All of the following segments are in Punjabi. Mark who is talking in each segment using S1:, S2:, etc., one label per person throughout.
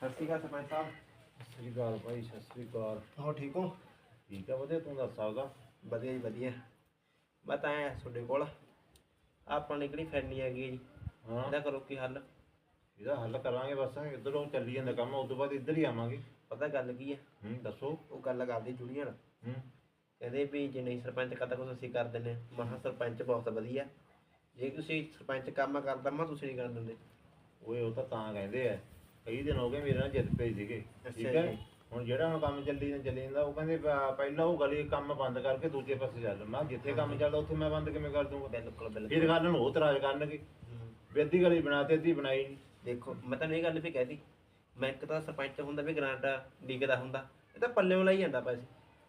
S1: ਸਤਿ ਸ਼੍ਰੀ ਅਕਾਲ ਸਰਪੰਚ ਸਾਹਿਬ।
S2: ਸਤਿ ਸ਼੍ਰੀ ਅਕਾਲ ਭਾਈ, ਸਤਿ ਸ਼੍ਰੀ ਅਕਾਲ।
S1: ਹੋ ਠੀਕ ਹੋ?
S2: ਠੀਕ ਆ, ਵਧੀਆ। ਤੂੰ ਦੱਸ ਸਕਦਾ?
S1: ਵਧੀਆ ਜੀ ਵਧੀਆ। ਮੈਂ ਤਾਂ ਆਇਆ ਤੁਹਾਡੇ ਕੋਲ, ਆਪਾਂ ਨੇ ਕਿਹੜੀ ਫੈਨੀ ਹੈਗੀ ਜੀ,
S2: ਹਾਂ,
S1: ਇਹਦਾ ਕਰੋ ਕੀ ਹੱਲ।
S2: ਇਹਦਾ ਹੱਲ ਕਰਾਂਗੇ। ਬਸ ਇੱਧਰੋਂ ਚੱਲੀ ਜਾਂਦਾ ਕੰਮ, ਉਸ ਤੋਂ ਬਾਅਦ ਇੱਧਰ ਹੀ ਆਵਾਂਗੇ।
S1: ਪਤਾ ਗੱਲ ਕੀ ਹੈ?
S2: ਦੱਸੋ।
S1: ਉਹ ਗੱਲ ਕਰਦੀ ਜੁੜੀਆਂ ਕਹਿੰਦੇ ਵੀ ਜੇ ਨਹੀਂ ਸਰਪੰਚ ਕਰਦਾ ਕੁਛ ਅਸੀਂ ਕਰ ਦਿੰਦੇ। ਮੈਂ ਕਿਹਾ ਸਰਪੰਚ ਬਹੁਤ ਵਧੀਆ, ਜੇ ਤੁਸੀਂ ਸਰਪੰਚ ਕੰਮ ਕਰਦਾ ਮੈਂ ਤੁਸੀਂ ਨਹੀਂ ਕਰ ਦਿੰਦੇ।
S2: ਓਏ ਉਹ ਤਾਂ ਕਹਿੰਦੇ ਆ, ਕਈ ਦਿਨ ਹੋ ਗਏ ਮੇਰੇ ਨਾਲ ਜਿੱਦ ਪਏ ਸੀਗੇ। ਠੀਕ
S1: ਅੱਛਾ
S2: ਹੈ।
S1: ਜੀ।
S2: ਹੁਣ ਜਿਹੜਾ ਹੁਣ ਕੰਮ ਚੱਲੀ ਜਾਂਦਾ, ਉਹ ਕਹਿੰਦੇ ਪਹਿਲਾਂ ਉਹ ਗਲੀ ਕੰਮ ਬੰਦ ਕਰਕੇ ਦੂਜੇ ਪਾਸੇ ਚੱਲ। ਮੈਂ ਜਿੱਥੇ ਕੰਮ ਚੱਲਦਾ ਉੱਥੇ ਮੈਂ ਬੰਦ ਕਿਵੇਂ ਕਰ ਦੂੰਗਾ?
S1: ਬਿਲਕੁਲ ਬਿਲਕੁਲ।
S2: ਫਿਰ ਗੱਲ ਨੂੰ ਉਹ ਇਤਰਾਜ਼ ਕਰਨਗੇ ਵੀ ਅੱਧੀ ਗਲੀ ਬਣਾ ਤੇ ਅੱਧੀ ਬਣਾਈ ਨਹੀਂ।
S1: ਦੇਖੋ ਮੈਂ ਤੁਹਾਨੂੰ ਇਹ ਗੱਲ ਵੀ ਕਹਿ ਦਿੱਤੀ, ਮੈਂ ਇੱਕ ਤਾਂ ਸਰਪੰਚ ਹੁੰਦਾ ਵੀ ਗ੍ਰਾਂਟ ਡੀਕਦਾ ਹੁੰਦਾ, ਇਹ ਤਾਂ ਪੱਲਿਓਂ ਲਈ ਜਾਂਦਾ ਪੈਸੇ।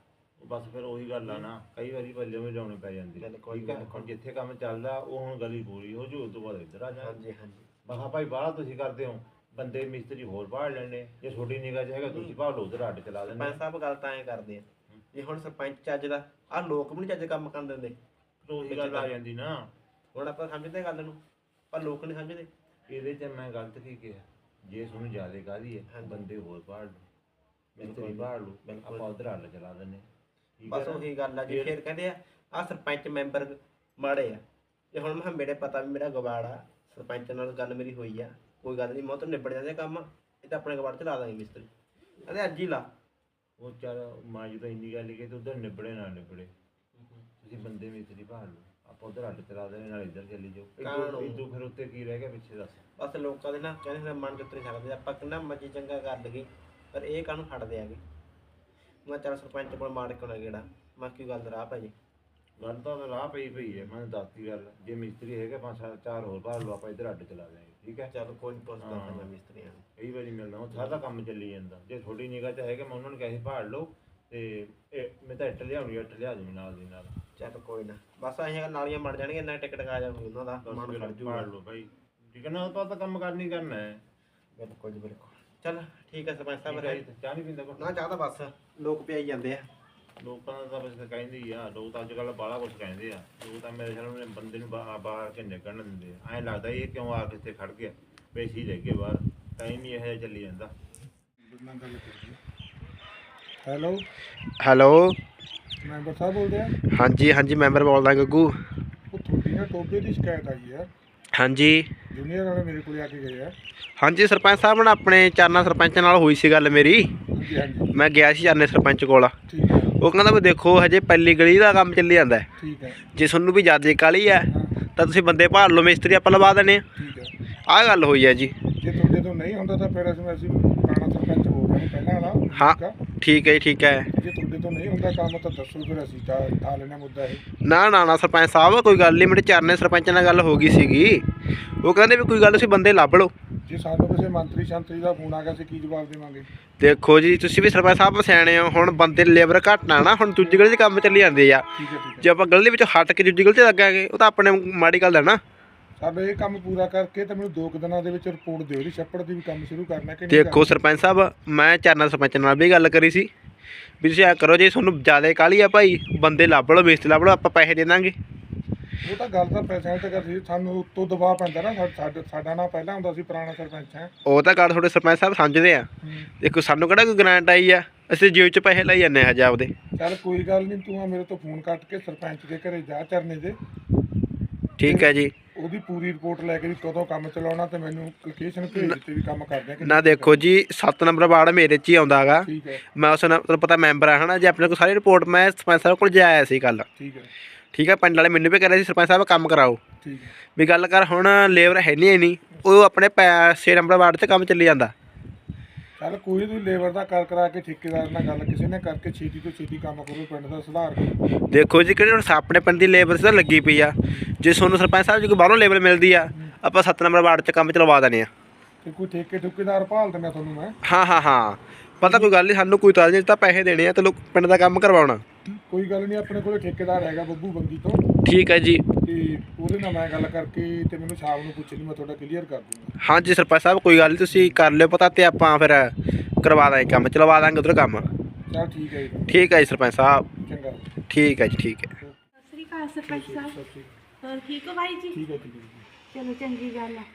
S2: ਬਸ ਫਿਰ ਉਹੀ ਗੱਲ ਆ ਨਾ, ਕਈ ਵਾਰੀ ਪੱਲੇ ਵੀ ਲਾਉਣੀ ਪੈ ਜਾਂਦੀ। ਠੀਕ ਹੈ। ਹੁਣ ਜਿੱਥੇ ਕੰਮ ਚੱਲਦਾ ਉਹ ਹੁਣ ਗਲੀ ਪੂਰੀ ਹੋ ਜੂ, ਉਸ ਤੋਂ ਬਾਅਦ ਇੱਧਰ ਆ ਜਾ।
S1: ਹਾਂਜੀ ਹਾਂਜੀ।
S2: ਮੈਂ ਕਿਹਾ ਭਾਈ ਬਾਹਲਾ ਤੁਸੀਂ ਕਰਦੇ ਹੋ, ਬੰਦੇ ਮਿਸਤਰੀ ਹੋਰ ਬਾਹਰ ਲੈਣੇ, ਜੇ ਛੋਟੀ ਨਿਗਾਹ 'ਚ ਹੈਗਾ ਤੁਸੀਂ ਬਾਹਰ ਉਧਰ ਅੱਡ ਚਲਾ ਦਿੰਦੇ।
S1: ਸਰਪੰਚ ਸਾਹਿਬ ਗੱਲ ਤਾਂ ਐਂ ਕਰਦੇ ਆ, ਜੇ ਹੁਣ ਸਰਪੰਚ ਚੱਜ ਦਾ, ਆਹ ਲੋਕ ਵੀ ਨਹੀਂ ਚੱਜ ਕੰਮ ਕਰਨ ਦਿੰਦੇ।
S2: ਉਹੀ ਗੱਲ ਆ ਜਾਂਦੀ ਨਾ।
S1: ਹੁਣ ਆਪਾਂ ਸਮਝਦੇ ਗੱਲ ਨੂੰ, ਪਰ ਲੋਕ ਨਹੀਂ ਸਮਝਦੇ।
S2: ਇਹਦੇ 'ਚ ਮੈਂ ਗਲਤ ਕੀ ਕਿਹਾ? ਜੇ ਤੁਹਾਨੂੰ ਜ਼ਿਆਦਾ ਕਾਹਦੀ ਹੈ, ਬੰਦੇ ਹੋਰ ਬਾਹਰ ਲਓ, ਮਿਸਤਰੀ ਬਾਹਰ ਲਓ, ਆਪਾਂ ਉਧਰ ਅੱਡ ਚਲਾ ਦਿੰਦੇ।
S1: ਬਸ ਉਹੀ ਗੱਲ ਆ ਜੀ। ਫਿਰ ਕਹਿੰਦੇ ਆ ਸਰਪੰਚ ਮੈਂਬਰ ਮਾੜੇ ਆ। ਤੇ ਹੁਣ ਮੈਂ ਮੇਰੇ ਪਤਾ ਵੀ ਮੇਰਾ ਗਵਾੜ ਆ, ਸਰਪੰਚ ਨਾਲ ਗੱਲ ਮੇਰੀ ਹੋਈ ਆ, ਕੋਈ ਗੱਲ ਨਹੀਂ, ਮੈਂ ਤਾਂ ਨਿਬੜ ਜਾਂਦੇ ਕੰਮ, ਇਹ ਤਾਂ ਆਪਣੇ ਗਵਾੜ 'ਚ ਲਾ ਦਾਂਗੇ ਮਿਸਤਰੀ। ਕਹਿੰਦੇ ਅੱਜ ਹੀ ਲਾ। ਉਹ
S2: ਚੱਲ ਮਾਂ ਜੀ ਤਾਂ ਇੰਨੀ ਗੱਲ ਕਿ ਤੂੰ ਉਧਰ ਨਿਬੜੇ ਨਾ ਨਿਬੜੇ, ਤੁਸੀਂ ਬੰਦੇ ਮਿਸਤਰੀ ਬਾਹਰ ਲਓ, ਆਪਾਂ ਉਧਰ ਅੱਡ ਚਲਾ ਦੇਣੇ, ਨਾਲ ਇੱਧਰ ਚੱਲੀ ਜਾਓ। ਇਦੋਂ ਫਿਰ ਉੱਤੇ ਕੀ ਰਹਿ ਗਿਆ ਪਿੱਛੇ? ਦੱਸ। ਬਸ ਲੋਕਾਂ ਦੇ ਨਾ ਕਹਿੰਦੇ ਮਨ ਜਿੱਤ ਨਹੀਂ ਸਕਦੇ, ਆਪਾਂ ਕਿੰਨਾ ਮਰਜ਼ੀ ਚੰਗਾ ਕਰ ਲਈਏ, ਪਰ ਇਹ ਕਾਹਨੂੰ ਹਟਦੇ ਆਗੇ। ਮੈਂ ਚੱਲ ਸਰਪੰਚ ਕੋਲ ਮਾਰ ਕੇ ਨਾ ਗੇੜਾ, ਮੈਂ ਕੀ ਗੱਲ ਰਾਹ ਪੈ ਜੀ। ਗੱਲ ਤਾਂ ਰਾਹ ਪਈ ਹੈ, ਮੈਂ ਦੱਸਤੀ ਗੱਲ। ਜੇ ਮਿਸਤਰੀ ਹੈਗੇ 5-4 ਹੋਰ ਬਾਹਰ ਲਓ, ਆਪਾਂ ਇੱਧਰ ਅੱਡ ਚਲਾ ਦਿਆਂਗੇ। ਠੀਕ ਹੈ।
S1: ਚੱਲ ਕੋਈ ਨਹੀਂ, ਪੁੱਛਦਾ ਮੈਂ ਮਿਸਤਰੀਆਂ ਨੂੰ।
S2: ਕਈ ਵਾਰੀ ਮਿਲਦਾ, ਉਹ ਸਾਰਾ ਕੰਮ ਚੱਲੀ ਜਾਂਦਾ। ਜੇ ਥੋੜੀ ਨਿਗਾਹ 'ਚ ਹੈਗਾ, ਮੈਂ ਉਹਨਾਂ ਨੂੰ ਕਿਹਾ ਸੀ ਭਾੜ ਲਓ, ਤੇ ਮੈਂ ਤਾਂ ਇੱਟ ਲਿਆਉਣੀ, ਇੱਟ ਲਿਆ ਦੂੰ ਨਾਲ ਦੀ ਨਾਲ। ਚੱਲ
S1: ਕੋਈ ਨਾ, ਬਸ ਅਸੀਂ ਨਾਲੀਆਂ ਮੜ ਜਾਣਗੀਆਂ, ਇੰਨਾ ਟਿਕਟ ਆ ਜਾਊਗੀ ਉਹਨਾਂ ਦਾ, ਮਨ ਖੜ ਜੂਗਾ।
S2: ਭਾੜ ਲਓ ਭਾਈ, ਠੀਕ ਹੈ ਨਾ? ਉਹ ਤਾਂ ਕੰਮ ਕਰਨੀ ਕਰਨਾ ਹੈ।
S1: ਬਿਲਕੁਲ ਜੀ ਬਿਲਕੁਲ। ਚੱਲ ਠੀਕ ਹੈ ਸਰਪੰਚ ਸਾਹਿਬ।
S2: ਚਾਹ ਨਹੀਂ ਪੀਂਦਾ ਕੋਈ?
S1: ਨਾ ਚਾਹ ਤਾਂ ਬਸ ਲੋਕ ਪਿਆਈ ਜਾਂਦੇ ਆ।
S2: ਲੋਕਾਂ ਦਾ ਤਾਂ ਬਸ ਕਹਿੰਦੇ ਹੀ ਆ, ਲੋਕ ਤਾਂ ਅੱਜ ਕੱਲ੍ਹ ਬਾਹਲਾ ਕੁਛ ਕਹਿੰਦੇ ਆ। ਲੋਕ ਤਾਂ ਮੇਰੇ ਖਿਆਲ ਨਾਲ ਬੰਦੇ ਨੂੰ ਬਾਹਰ ਕੇ ਨਿਕਲਣ ਦਿੰਦੇ ਆ। ਐਂ ਲੱਗਦਾ ਇਹ ਕਿਉਂ ਆ ਕੇ ਇੱਥੇ ਖੜ ਗਿਆ, ਪੈਸੇ ਲੈ ਕੇ ਬਾਹਰ। ਟਾਈਮ ਹੀ ਇਹੋ ਜਿਹਾ ਚੱਲੀ ਜਾਂਦਾ।
S1: ਹੈਲੋ ਹੈਲੋ, ਮੈਂਬਰ ਸਾਹਿਬ ਬੋਲਦੇ ਆ? ਹਾਂਜੀ ਹਾਂਜੀ, ਮੈਂਬਰ ਬੋਲਦਾ ਗੱਗੂ। ਉਹ ਤੁਹਾਡੀ ਨਾ ਟੋਬੇ ਦੀ ਸ਼ਿਕਾਇਤ ਆਈ ਹੈ। ਹਾਂਜੀ, ਜੂਨੀਅਰ ਵਾਲੇ ਮੇਰੇ ਕੋਲ ਆ ਕੇ ਗਏ ਆ। ਹਾਂਜੀ ਸਰਪੰਚ ਸਾਹਿਬ ਨਾਲ ਆਪਣੇ ਚਾਰਨਾ ਸਰਪੰਚ ਨਾਲ ਹੋਈ ਸੀ ਗੱਲ ਮੇਰੀ। ਹਾਂਜੀ ਹਾਂਜੀ, ਮੈਂ ਗਿਆ ਸੀ ਚਾਰਨੇ ਸਰਪੰਚ ਕੋਲ। ਠੀਕ ਹੈ। ਉਹ ਕਹਿੰਦਾ ਵੀ ਦੇਖੋ ਹਜੇ ਪਹਿਲੀ ਗਲੀ ਦਾ ਕੰਮ ਚੱਲੀ ਜਾਂਦਾ। ਠੀਕ ਹੈ। ਜੇ ਤੁਹਾਨੂੰ ਵੀ ਜ਼ਿਆਦਾ ਕਾਹਲੀ ਹੈ ਤਾਂ ਤੁਸੀਂ ਬੰਦੇ ਭਾਲ ਲਓ, ਮਿਸਤਰੀ ਆਪਾਂ ਲਵਾ ਦਿੰਦੇ ਆ। ਠੀਕ ਹੈ। ਆਹ ਗੱਲ ਹੋਈ ਹੈ ਜੀ। ਜੇ ਤੁਹਾਡੇ ਤੋਂ ਨਹੀਂ ਹੁੰਦਾ ਤਾਂ ਫਿਰ ਅਸੀਂ ਪੁਰਾਣਾ ਸਰਪੰਚ ਬੋਲ ਰਹੇ ਪਹਿਲਾਂ ਵਾਲਾ। ਹਾਂ ਠੀਕ ਹੈ ਜੀ, ਠੀਕ ਹੈ। ਜੇ ਤੁਹਾਡੇ ਤੋਂ ਨਹੀਂ ਹੁੰਦਾ ਕੰਮ ਤਾਂ ਦੱਸੋ, ਫਿਰ ਅਸੀਂ ਠਾ ਲੈਣਾ ਮੁੱਦਾ ਇਹ। ਨਾ ਨਾ ਨਾ ਸਰਪੰਚ ਸਾਹਿਬ, ਕੋਈ ਗੱਲ ਨਹੀਂ, ਮੇਰੇ ਚਾਰਨੇ ਸਰਪੰਚ ਨਾਲ ਗੱਲ ਹੋ ਗਈ ਸੀਗੀ। ਉਹ ਕਹਿੰਦੇ ਵੀ ਕੋਈ ਗੱਲ ਤੁਸੀਂ ਬੰਦੇ ਲੱਭ ਲਓ। ਜੇ ਸਾਨੂੰ ਕਿਸੇ ਮੰਤਰੀ ਸ਼ੰਤਰੀ ਦਾ ਫੋਨ ਆ ਗਿਆ, ਅਸੀਂ ਕੀ ਜਵਾਬ ਦੇਵਾਂਗੇ? ਦੇਖੋ ਜੀ, ਤੁਸੀਂ ਵੀ ਸਰਪੰਚ ਸਾਹਿਬ ਸਿਆਣੇ ਹੋ, ਹੁਣ ਬੰਦੇ ਲੇਬਰ ਘੱਟ ਨਾ, ਹੁਣ ਦੂਜੀ ਗਲੀ 'ਚ ਕੰਮ ਚੱਲੀ ਜਾਂਦੇ ਆ। ਜੇ ਆਪਾਂ ਗਲੀ ਵਿੱਚ ਹਟ ਕੇ ਦੂਜੀ ਗਲੀ 'ਚ ਲੱਗਾਂਗੇ, ਉਹ ਤਾਂ ਆਪਣੇ ਮਾੜੀ ਗੱਲ ਹੈ ਨਾ। ਸਾਡਾ ਇਹ ਕੰਮ ਪੂਰਾ ਕਰਕੇ ਤਾਂ ਮੈਨੂੰ 2 ਦਿਨਾਂ ਦੇ ਵਿੱਚ ਰਿਪੋਰਟ ਦਿਓ ਜੀ, ਛੱਪੜ ਦੀ ਵੀ ਕੰਮ ਸ਼ੁਰੂ ਕਰਨਾ ਕਿ ਨਹੀਂ? ਦੇਖੋ ਸਰਪੰਚ ਸਾਹਿਬ, ਮੈਂ ਚਾਰਨਾ ਸਰਪੰਚ ਨਾਲ ਵੀ ਗੱਲ ਕਰੀ ਸੀ ਵੀ ਤੁਸੀਂ ਐਂ ਕਰੋ, ਜੇ ਤੁਹਾਨੂੰ ਜ਼ਿਆਦਾ ਕਾਹਲੀ ਆ ਭਾਈ, ਬੰਦੇ ਲੱਭ ਲਓ, ਮਿਸਤਰੀ ਲੱਭ ਲਓ, ਆਪਾਂ ਪੈਸੇ ਦੇ ਦਾਂਗੇ। ਉਹ ਤਾਂ ਗੱਲ ਤਾਂ ਪੈਸਿਆਂ ਤੇ ਕਰਦੀ, ਸਾਨੂੰ ਉੱਤੋਂ ਦਬਾਅ ਪੈਂਦਾ ਨਾ। ਸਾਡਾ ਨਾਂ ਪਹਿਲਾਂ ਹੁੰਦਾ ਸੀ, ਪੁਰਾਣਾ ਸਰਪੰਚ ਹੈ। ਉਹ ਤਾਂ ਗੱਲ ਤੁਹਾਡੇ ਸਰਪੰਚ ਸਾਹਿਬ ਸਮਝਦੇ ਆ। ਦੇਖੋ ਸਾਨੂੰ ਕਿਹੜਾ ਕੋਈ ਗ੍ਰਾਂਟ ਆਈ ਆ, ਅਸੀਂ ਜੇਬ 'ਚ ਪੈਸੇ ਲਈ ਜਾਂਦੇ ਹਜੇ ਆਪਦੇ। ਚੱਲ ਕੋਈ ਗੱਲ ਨਹੀਂ, ਤੂੰ ਮੇਰੇ ਤੋਂ ਫੋਨ ਕੱਟ ਕੇ ਸਰਪੰਚ ਦੇ ਘਰੇ ਜਾ ਚਰਨੇ ਦੇ। ਠੀਕ ਹੈ ਜੀ। ਉਹਦੀ ਪੂਰੀ ਰਿਪੋਰਟ ਲੈ ਕੇ ਵੀ ਕਦੋਂ ਕੰਮ ਚਲਾਉਣਾ, ਤੇ ਮੈਨੂੰ ਲੋਕੇਸ਼ਨ ਭੇਜ ਦਿੱਤੀ ਵੀ ਕੰਮ ਕਰਦੇ ਆ ਨਾ। ਦੇਖੋ ਜੀ 7 ਨੰਬਰ ਵਾਰਡ ਮੇਰੇ 'ਚ ਹੀ ਆਉਂਦਾ ਹੈਗਾ। ਠੀਕ ਹੈ। ਮੈਂ ਉਸ ਨਾਲ ਤੁਹਾਨੂੰ ਪਤਾ ਮੈਂਬਰ ਆ ਹੈ ਨਾ। ਜੇ ਆਪਣੇ ਕੋਲ ਸਾਰੀ ਰਿਪੋਰਟ ਮੈਂ ਸਰਪੰਚ ਸਾਹਿਬ ਕੋਲ ਜਾ ਆਇਆ ਸੀ ਕੱਲ੍ਹ। ਠੀਕ ਹੈ। ਠੀਕ ਹੈ। ਪਿੰਡ ਵਾਲੇ ਮੈਨੂੰ ਵੀ ਕਹਿ ਰਹੇ ਸੀ ਸਰਪੰਚ ਸਾਹਿਬ ਕੰਮ ਕਰਾਓ। ਠੀਕ ਹੈ। ਵੀ ਗੱਲ ਕਰ, ਹੁਣ ਲੇਬਰ ਹੈ ਨਹੀਂ ਉਹ ਆਪਣੇ 6 ਨੰਬਰ ਵਾਰਡ 'ਚ ਕੰਮ ਚੱਲੀ ਜਾਂਦਾ। ਚੱਲ ਕੋਈ ਨਹੀਂ, ਲੇਬਰ ਦਾ ਕਰਾ ਕੇ ਠੇਕੇਦਾਰ ਨਾਲ ਗੱਲ ਕਿਸੇ ਨੇ ਕਰਕੇ ਛੇਤੀ ਤੋਂ ਛੇਤੀ ਕੰਮ ਕਰੋ, ਪਿੰਡ ਦਾ ਸੁਧਾਰ ਕਰੋ। ਦੇਖੋ ਜੀ, ਕਿਹੜੇ ਹੁਣ ਆਪਣੇ ਪਿੰਡ ਦੀ ਲੇਬਰ ਤਾਂ ਲੱਗੀ ਪਈ ਆ। ਜੇ ਤੁਹਾਨੂੰ ਸਰਪੰਚ ਸਾਹਿਬ ਜੀ ਕੋਈ ਬਾਹਰੋਂ ਲੇਬਰ ਮਿਲਦੀ ਆ, ਆਪਾਂ 7 ਨੰਬਰ ਵਾਰਡ 'ਚ ਕੰਮ ਚਲਵਾ ਦੇਣੇ ਆ। ਤੇ ਕੋਈ ਠੇਕੇਦਾਰ ਭਾਲ ਦਿੰਦਾ ਤੁਹਾਨੂੰ ਮੈਂ। ਹਾਂ ਪਤਾ, ਕੋਈ ਗੱਲ ਨਹੀਂ, ਸਾਨੂੰ ਕੋਈ ਤਾਂ ਨਹੀਂ, ਤਾਂ ਪੈਸੇ ਦੇਣੇ ਆ ਤੇ ਲੋਕ ਪਿੰਡ ਦਾ ਕੰਮ ਕਰਵਾਉਣਾ। ਕੋਈ ਗੱਲ ਨਹੀਂ, ਆਪਣੇ ਕੋਲ ਠੇਕੇਦਾਰ ਹੈਗਾ ਬੱਬੂ ਬੰਗੀ ਤੋਂ। ਠੀਕ ਹੈ ਜੀ। ਤੇ ਉਹਦੇ ਨਾਲ ਮੈਂ ਗੱਲ ਕਰਕੇ ਤੇ ਮੈਨੂੰ ਸ਼ਾਮ ਨੂੰ ਪੁੱਛ ਲਈ, ਮੈਂ ਤੁਹਾਡਾ ਕਲੀਅਰ ਕਰ ਦੂੰਗਾ। ਹਾਂਜੀ ਸਰਪੰਚ ਸਾਹਿਬ, ਕੋਈ ਗੱਲ ਨਹੀਂ, ਤੁਸੀਂ ਕਰ ਲਿਓ ਪਤਾ, ਤੇ ਆਪਾਂ ਫਿਰ ਕਰਵਾ ਦਾਂਗੇ ਕੰਮ, ਚਲਵਾ ਦਾਂਗੇ ਉਧਰ ਕੰਮ। ਚਲ ਠੀਕ ਹੈ ਜੀ। ਠੀਕ ਹੈ ਜੀ ਸਰਪੰਚ ਸਾਹਿਬ। ਚੰਗਾ। ਠੀਕ ਹੈ ਜੀ, ਠੀਕ ਹੈ।
S3: ਸਤਿ ਸ਼੍ਰੀ ਅਕਾਲ ਸਰਪੰਚ ਸਾਹਿਬ। ਹੋਰ ਠੀਕ ਹੋ ਭਾਈ ਜੀ?
S1: ਠੀਕ ਹੈ।
S3: ਚਲੋ ਚੰਗੀ ਗੱਲ ਆ।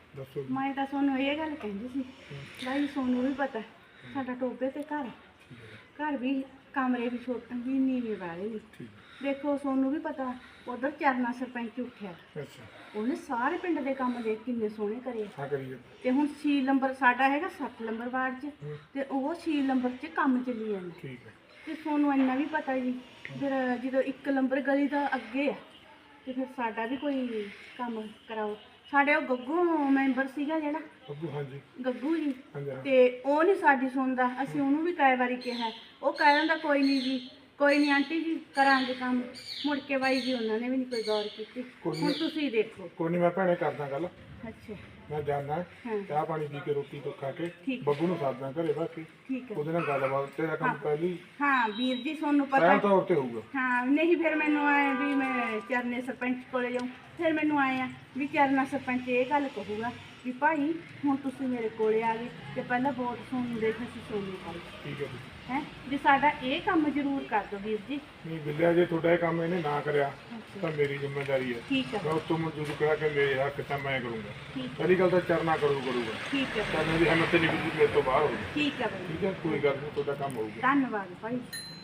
S1: ਦੱਸੋ
S3: ਮੈਂ ਤਾਂ ਤੁਹਾਨੂੰ ਇਹ ਗੱਲ ਕਹਿੰਦੀ ਸੀ ਭਾਈ, ਤੁਹਾਨੂੰ ਵੀ ਪਤਾ ਸਾਡਾ ਟੋਬੇ ਤੇ ਘਰ ਵੀ ਕਮਰੇ ਵੀ ਛੋਟੇ ਵੀ ਨੀਵੇਂ ਵਾਲੇ ਨੇ।
S1: ਠੀਕ
S3: ਦੇਖੋ ਤੁਹਾਨੂੰ ਵੀ ਪਤਾ ਉਧਰ ਚਰਨਾ ਸਰਪੰਚ ਉੱਠਿਆ,
S1: ਅੱਛਾ
S3: ਉਹਨੇ ਸਾਰੇ ਪਿੰਡ ਦੇ ਕੰਮ ਦੇਖ ਕਿੰਨੇ ਸੋਹਣੇ ਕਰੇ।
S1: ਹਾਂ ਕਰੀਏ
S3: ਤੇ ਹੁਣ 6 ਨੰਬਰ ਸਾਡਾ ਹੈਗਾ 7 ਨੰਬਰ ਵਾਰਡ 'ਚ, ਤੇ ਉਹ 6 ਨੰਬਰ 'ਚ ਕੰਮ ਚੱਲੀ ਜਾਂਦਾ।
S1: ਠੀਕ ਹੈ
S3: ਤੇ ਤੁਹਾਨੂੰ ਇੰਨਾ ਵੀ ਪਤਾ ਜੀ, ਫਿਰ ਜਦੋਂ 1 ਨੰਬਰ ਗਲੀ ਦਾ ਅੱਗੇ ਆ ਤੇ ਫਿਰ ਸਾਡਾ ਵੀ ਕੋਈ ਕੰਮ ਕਰਾਓ। ਸਾਡੇ ਉਹ ਗੱਗੂ ਮੈਂਬਰ ਸੀਗਾ ਜਿਹੜਾ,
S1: ਅੱਗੂ ਹਾਂਜੀ
S3: ਗੱਗੂ ਜੀ,
S1: ਹਾਂਜੀ ਹਾਂ।
S3: ਤੇ ਉਹ ਨਹੀਂ ਸਾਡੀ ਸੁਣਦਾ। ਅਸੀਂ ਉਹਨੂੰ ਵੀ ਕਈ ਵਾਰੀ ਕਿਹਾ, ਉਹ ਕਹਿ ਦਿੰਦਾ ਕੋਈ ਨਹੀਂ ਜੀ, ਕੋਈ ਨਹੀਂ ਆਂਟੀ ਜੀ ਕਰਾਂਗੇ ਕੰਮ। ਮੁੜ ਕੇ ਬਾਈ ਜੀ ਉਹਨਾਂ ਨੇ ਵੀ ਨਹੀਂ ਕੋਈ ਗੌਰ ਕੀਤੀ। ਹੁਣ ਤੁਸੀਂ ਦੇਖੋ।
S1: ਕੋਈ ਨਹੀਂ, ਮੈਂ ਭੈਣੇ ਕਰਦਾ ਗੱਲ,
S3: ਅੱਛਾ
S1: ਮੈਂ ਜਾਣਾ
S3: ਹਾਂ
S1: ਚਾਹ ਪਾਣੀ ਪੀ ਕੇ ਰੋਟੀ ਤੋਂ ਖਾ ਕੇ
S3: ਠੀਕ।
S1: ਬੱਬੂ ਨੂੰ ਸਾਧਨਾ ਘਰੇ ਬਾਕੀ
S3: ਠੀਕ ਹੈ।
S1: ਉਹਦੇ ਨਾਲ ਗੱਲਬਾਤ ਤੇਰਾ ਕੰਮ ਪਹਿਲੀ
S3: ਹਾਂ ਵੀਰ ਜੀ ਤੁਹਾਨੂੰ ਪਤਾ
S1: ਪਹਿਲ ਤੌਰ ਤੇ ਹੋਊਗਾ।
S3: ਹਾਂ ਨਹੀਂ ਫਿਰ ਮੈਨੂੰ ਆਏ ਵੀ ਮੈਂ ਚਰਨੇ ਸਰਪੰਚ ਕੋਲੇ ਜਾਊਂ। ਫਿਰ ਮੈਨੂੰ ਆਏ ਆ ਵੀ ਚਰਨਾ ਸਰਪੰਚ ਇਹ ਗੱਲ ਕਹੂਗਾ ਵੀ ਭਾਈ ਹੁਣ ਤੁਸੀਂ ਮੇਰੇ ਕੋਲੇ ਆ ਗਏ ਤੇ ਪਹਿਲਾਂ ਵੋਟ ਤੁਹਾਨੂੰ ਦੇਖ ਅਸੀਂ ਸੋਨੀ ਪਾਈ
S1: ਠੀਕ ਹੈ ਜੀ।
S3: ਹੈ ਵੀ ਸਾਡਾ ਇਹ ਕੰਮ ਜ਼ਰੂਰ ਕਰ ਦਿਓ ਵੀਰ ਜੀ।
S1: ਨਹੀਂ ਬਿੱਲਿਆ, ਜੇ ਤੁਹਾਡਾ ਇਹ ਕੰਮ ਇਹਨੇ ਨਾ ਕਰਿਆ ਤਾਂ ਮੇਰੀ ਜ਼ਿੰਮੇਵਾਰੀ ਹੈ।
S3: ਠੀਕ ਹੈ
S1: ਮੈਂ ਉਸ ਤੋਂ ਮਨਜ਼ੂਰ ਕਰਾ ਕੇ ਮੇਰੇ ਹੱਕ ਤਾਂ ਮੈਂ ਕਰੂੰਗਾ।
S3: ਠੀਕ
S1: ਪਹਿਲੀ ਗੱਲ ਤਾਂ ਚਰਨਾ ਕਰੂਗਾ।
S3: ਠੀਕ ਹੈ
S1: ਚਰਨੇ ਦੀ ਹਿੰਮਤ ਨਹੀਂ ਬਿਜਲੀ ਮੇਰੇ ਤੋਂ ਬਾਹਰ ਹੋਊਗੀ।
S3: ਠੀਕ ਹੈ ਬਾਈ,
S1: ਠੀਕ ਹੈ, ਕੋਈ ਗੱਲ ਨਹੀਂ, ਤੁਹਾਡਾ ਕੰਮ ਹੋਊਗਾ।
S3: ਧੰਨਵਾਦ ਭਾਈ।